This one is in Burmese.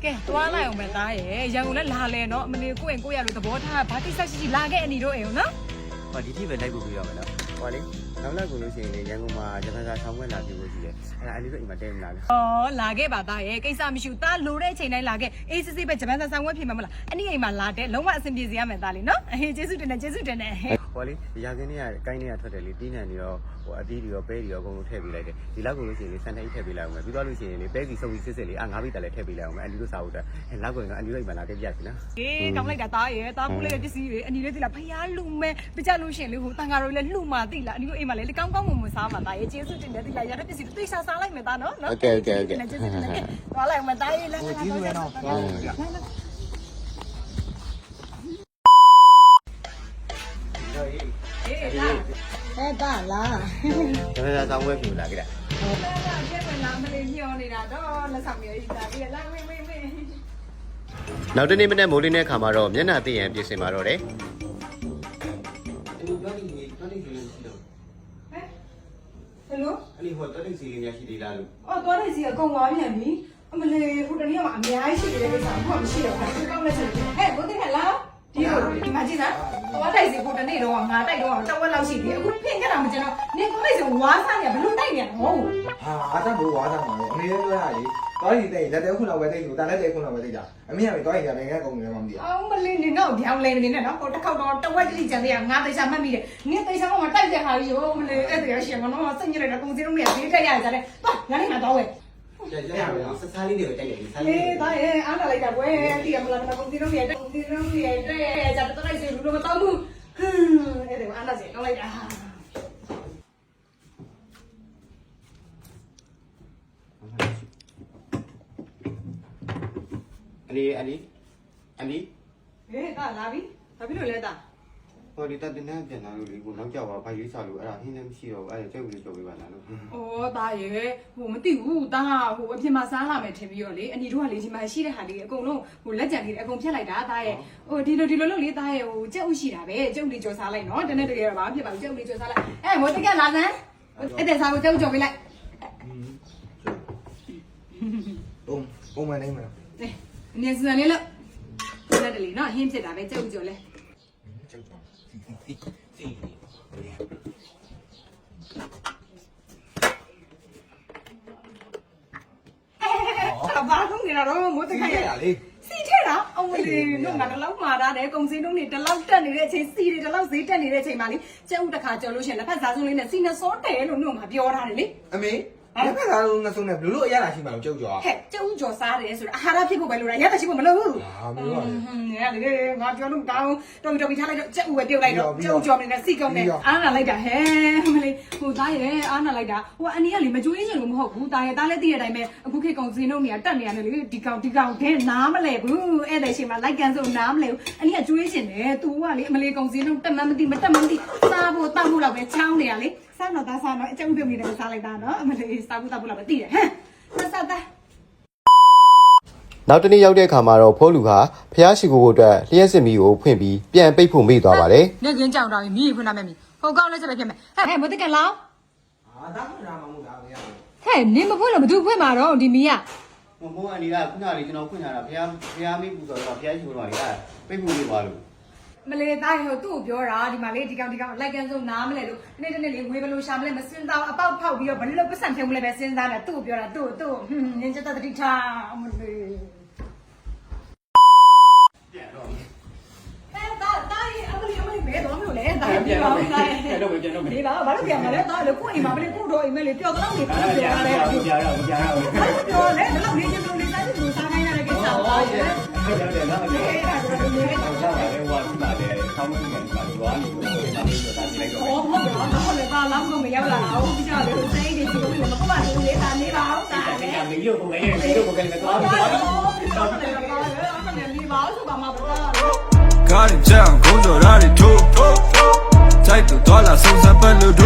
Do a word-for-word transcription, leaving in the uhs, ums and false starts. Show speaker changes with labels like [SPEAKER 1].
[SPEAKER 1] ကဲသွားလိုက်အောင်ပဲသားရဲ့ရန်ကုန်လည်းလာလဲနော်မနေကိုယ့်ရင်ကိုယ့်ရလို့သဘောထားဘာတိဆက်ရှိရှိလာခဲ့အနီတို့အိမ်နော်
[SPEAKER 2] ဟောဒီတိပဲလိုက်ပို့ပြီးရမယ်နော်ဟောလေနောက်နောက်ကိုလို့ရှိရင်လေရန်ကုန်မှာဂျပန်စာဆောင်းပွဲလာပြီးလို့ရှိတယ်အဲ့ဒါအလီတို့အိမ်မှာတဲမလားလဲ
[SPEAKER 1] ဩလာခဲ့ပါသားရဲ့ကိစ္စမရှိဘူးသားလိုတဲ့အချိန်တိုင်းလာခဲ့အေးစစ်စစ်ပဲဂျပန်စာဆောင်ဝဲဖြစ်မှာမလားအနီအိမ်မှာလာတဲ့လုံးဝအဆင်ပြေစေရမယ်သားလေးနော်အေးကျေးဇူးတင်တယ်ကျေးဇူးတင်တယ်
[SPEAKER 2] ဟောလေရာခင်းတွေကကိုင်းတွေကထွက်တယ်လေတီးနှံတွေရောဟိုအသီးတွေရောပဲတွေရောအကုန်လုံးထည့်ပေးလိုက်တယ်ဒီလောက်ကိုလို့ရှိရင်လေစံတိုင်းထည့်ပေးလိုက်အောင်မယ်ပြီးသွားလို့ရှိရင်လေပဲစီစုပ်ပြီးစစ်စစ်လေးအာငါးပိတက်လည်းထည့်ပေးလိုက်အောင်မယ်အလီတို့စားဖို့အတွက်အဲ့လောက်ကိုရင်တော့အလီတို့အိမ်မှာလာခဲ့ပြစီနော်
[SPEAKER 1] အေးကောင်းလိုက်တာသားရဲ့သားပိုးလေးရဲ့ပစ္စည်းတွေအနီလေးသိလားဖျားလူမဲပြကြလို့ရှိရင်လေဟိုတန်ဃာတော်လည်းလှူမာသိလားအနီတို့အိမ်မှာလည်းကောင်းကောင်းမွန်မွန်စားမှာသားရဲ့ကျေးဇူးတင်တယ်သိလားရတဲ့ပစ္စည်းသိစားစားလိုက်မယ်သားနော်နော်
[SPEAKER 2] โอเคโอเคโอเค
[SPEAKER 1] သွားလိုက်မယ်သားရဲ့လည်းကျေးဇူးပဲနော်အေးဒါလား
[SPEAKER 2] ဂျပန်စာဆောင်းပွဲဖြစ်လာခဲ့တာ
[SPEAKER 1] ဟုတ်ကဲ့ပါကျေးဇူးလားမလေးညောနေတာတော့လက်ဆောင်မျိုးကြီးဒါပြီးလာမေးမေးမေး
[SPEAKER 2] နောက်တနေ့မနေ့မိုးလင်းတဲ့ခါမှာတော့မျက်နှာသိရန်ပြင်ဆင်มาတော့တယ်အဲ့ဒီတော့ဒီတော့ဒီစီလို့ရှိတော့
[SPEAKER 1] ဟဲ့ဟယ်လို
[SPEAKER 2] အဲ့ဒီဟိုတော့ဒီစီလေးများရှိသေးလားလို့
[SPEAKER 1] အော်သွားတဲ့စီအကုန်သွားပြန်ပြီအမလေးဟိုတနေ့ကအများကြီးရှိတယ်ကိစ္စဘာမှမရှိတော့ဘူးကောင်းလက်ချက်ဟဲ့ဘုသိခလားဒီလိုဒီမှာကြည့်လားသွားတိုက်စီဟိုတနေ့တော့ငါတိုက်တော့တဝက်လောက်ရှိသေးအခုပြင်ခဲ့တာမကျတော့နင်သွားလိုက်စီဝါးစားနေဘလို့တိုက်နေရမဟုတ်
[SPEAKER 3] ဟာအားသားဘူးဝါးသားမှာလေအမေလည်းပြောရလေသွားရင်တိတ်လက်တဲခုလောက်ပဲတိတ်လို့တန်လက်တဲခုလောက်ပဲတိတ်တာအမေကပဲသွားရင်လည်းနိုင်ငံကုန်တယ်မှမသိဘူး
[SPEAKER 1] အော်မလေးနေတော့ပြောင်းလဲနေနဲ့နော်ဟိုတစ်ခေါက်တော့တဝက်တိကျန်သေးရငါသိချာမှတ်မိတယ်နင်သိချာတော့တိုက်တဲ့ဟာကြီးရောမလေးအဲ့တည်းရရှင်မနော်စိတ်ညစ်တဲ့ကုံစင်းလုံးနဲ့ဈေးတက်ရကြတယ်သွားငါနဲ့ငါတော့ဝဲ
[SPEAKER 2] ကျကျရအောင်စစားလေးတွေတိုက်တယ်ဒီစားလေး
[SPEAKER 1] အေးဒါရဲ့အားလာလိုက်တာကွယ်ဒီကမလာတော့ကုံစင်းလုံးရဲ့ကုံစင်းလုံးရဲ့တဲ့ကြတော့တိုက်စီလူမတော့ဘူးဟင်းအဲ့ဒါအားလာစီတော့လိုက်တာ
[SPEAKER 2] အလီအလီအလီ
[SPEAKER 1] ဟေးဒါလာပြီဘာဖြစ်လို့လဲတာ
[SPEAKER 2] ဟိုဒီတက်တင်နေပြန်လာလို့လေကိုနောက်ကြောက်ပါဘာရေးစားလို့အဲ့ဒါဟင်းလည်းမရှိတော့ဘူးအဲ့ဒါကြောက်ပြီးကြောက်ပေးပါလားလို့
[SPEAKER 1] ဩဒါရဲ့ဟိုမသိဘူးဒါဟိုအပြင်မှာစားလာမယ်ထင်ပြီးတော့လေအနီတို့ကလေဒီမှာရှိတဲ့ဟာလေးအကုန်လုံးဟိုလက်ကြံလေးအကုန်ဖြတ်လိုက်တာဒါရဲ့ဟိုဒီလိုဒီလိုလုပ်လေဒါရဲ့ဟိုကြက်ဥရှိတာပဲကြက်ဥလေးကြော်စားလိုက်နော်တနေ့တည်းတော့ဘာဖြစ်ပါဘူးကြက်ဥလေးကြော်စားလိုက်အဲမိုးတကလာစမ်းအဲ့တဲ့စားကိုကြက်ဥကြော်ပေးလိုက်
[SPEAKER 3] ပုံပုံမှန်နေမှာ
[SPEAKER 1] အေးအနေစံလေးလို့လက်တလေးနော်ဟင်းဖြစ်တာပဲကြက်ဥကြော်လဲ
[SPEAKER 3] ကျောက်ကျော်စီစီ
[SPEAKER 1] အဘာလို့နေတော့မိုးတကရ
[SPEAKER 3] ရလေ
[SPEAKER 1] စီထဲတာအမလေးတို့ငါတလောက်မှာတာတယ်ကုံစင်းတုံးနေတလောက်တက်နေတဲ့အချိန်စီတွေတလောက်ဈေးတက်နေတဲ့အချိန်မှာလေကျုပ်တခါကြော်လို့ရှိရင်လက်ဖက်စားစုံလေးနဲ့စီနစောတယ်လို့တို့ငါပြောထားတယ်လေ
[SPEAKER 3] အမေလက်ဖက်သားလုံးငါဆုံးနေဘလို့လို့အရသာရှိမှာကျောက်ကျော်
[SPEAKER 1] ဟဲ့ကျုပ်ကြော်စားတယ်ဆိုတာအာဟာရဖြစ်ဖို့ပဲလို့ရရတဲ့ရှိဖို့မလို့ဘူး
[SPEAKER 3] ဟာမျိုးပါလေ
[SPEAKER 1] ဟင်းရလေငါပြောလို့တောင်းတော်တော်ပြီးထားလိုက်တော့ကျုပ်ဝယ်ပြုတ်လိုက်တော့ကျုပ်ကြော်နေတဲ့စီကုန်းနဲ့အားနာလိုက်တာဟဲ့မလေးဟိုသားရဲအားနာလိုက်တာဟိုအနီကလေမကြွေးချင်လို့မဟုတ်ဘူးသားရဲသားလည်းသိတဲ့အတိုင်းပဲအခုခေတ်ကုံစင်းတုံးနေတက်နေရတယ်လေဒီကောင်ဒီကောင်ခဲနားမလဲဘူးအဲ့တဲ့ချိန်မှာလိုက်ကန်ဆိုနားမလဲဘူးအနီကကြွေးချင်တယ် तू ကလေအမလေးကုံစင်းတုံးတက်မှမသိမတက်မှမသိစားဖို့တောက်ဖို့လောက်ပဲချောင်းနေရလေစားတော့သားစားတော့အကျုံပြုတ်နေတယ်စားလိုက်တာနော်အမလေးစားဖို့တောက်ဖို့လောက်ပဲသိတယ်ဟမ်စားသား
[SPEAKER 2] နောက်တနေ့ရောက်တဲ့အခါမှာတော့ဖိုးလူဟာဖျားရှိခိုးဖို့အတွက်လျှက်စစ်မီကိုဖွင့်ပြီးပြန်ပိတ်ဖို့မေ့သွားပါတယ်
[SPEAKER 1] နေကင်းကြောင်တာမီးဖွင့်ထားမယ်မီးဟိုကောင်းလဲချက်ပဲဖြစ်မယ်ဟဲ့မတကလောင်း
[SPEAKER 3] ဟာသားခွင့်လာမှာမဟုတ်တာအမေက
[SPEAKER 1] ဟဲ့နင်မဖွင့်လို့ဘသူဖွင့်မှာတော့ဒီမီးက
[SPEAKER 2] မမိုးအနီကခုနလေးကျွန်တော်ဖွင့်ထားတာဖျားဖျားမိပူဆိုတော့ဖျားရှိခိုးတော့လေအဲ့ပိတ်ဖို့နေပါလို့
[SPEAKER 1] မလေးသားဟိုသူ့ကိုပြောတာဒီမှာလေဒီကောင်ဒီကောင်လိုက်ကန်စုံနားမလဲလို့နေ့တနေ့လေးဝေးဘလို့ရှာမလဲမစင်းသားအပေါက်ဖောက်ပြီးတော့ဘယ်လိုပတ်စံထုံမလဲပဲစဉ်းစားတယ်သူ့ကိုပြောတာသူ့သူ့ဟင်းနင်ချက်တတိထားအမလေးပြန်တော့ဟဲ့သားသားရေအမလေးအမလေးဘယ်တော့မလို့လဲသားပြန်တော့ပြန်တော့ပြန်တော့ဒီပါဘာလို့ပြန်မလဲသားလေကိုအိမ်မှာမလေးကိုတော့အိမ်မဲလေးပျော်တော့နေပြန်ရတယ်ပြန်ရတယ်ပြန်ရတယ်ပြန်ရတယ်တော့လေဘယ်လောက်နေချင်လို့နေစားလို့စားနိုင်ရတဲ့ကိစ္စပါရဲ့
[SPEAKER 4] ဟုတ်တယ်နော်အဲ့ဒါကတော့ဒီနေ့တော့ကြောက်တယ်ဟိုကဒီမှာလေဆောင်းမှုနဲ့ဒီမှာရွာနေလို့ဒါလေးဆိုတာဒီလိုက်တော့
[SPEAKER 1] 哦，好不了，那后来把老公没要了，我比较留在一点就为了不把留在他那包的。
[SPEAKER 4] အဲ့ဒါမင်းတို့ကလည်းမင်းတို့ကလည်းတော့တော့
[SPEAKER 5] ကားကြောင်ကုန်းကြော်ရာတွေထိုးထိုးထိုးတိုက်တူသွားလာဆုံးစပ်ပတ်လို့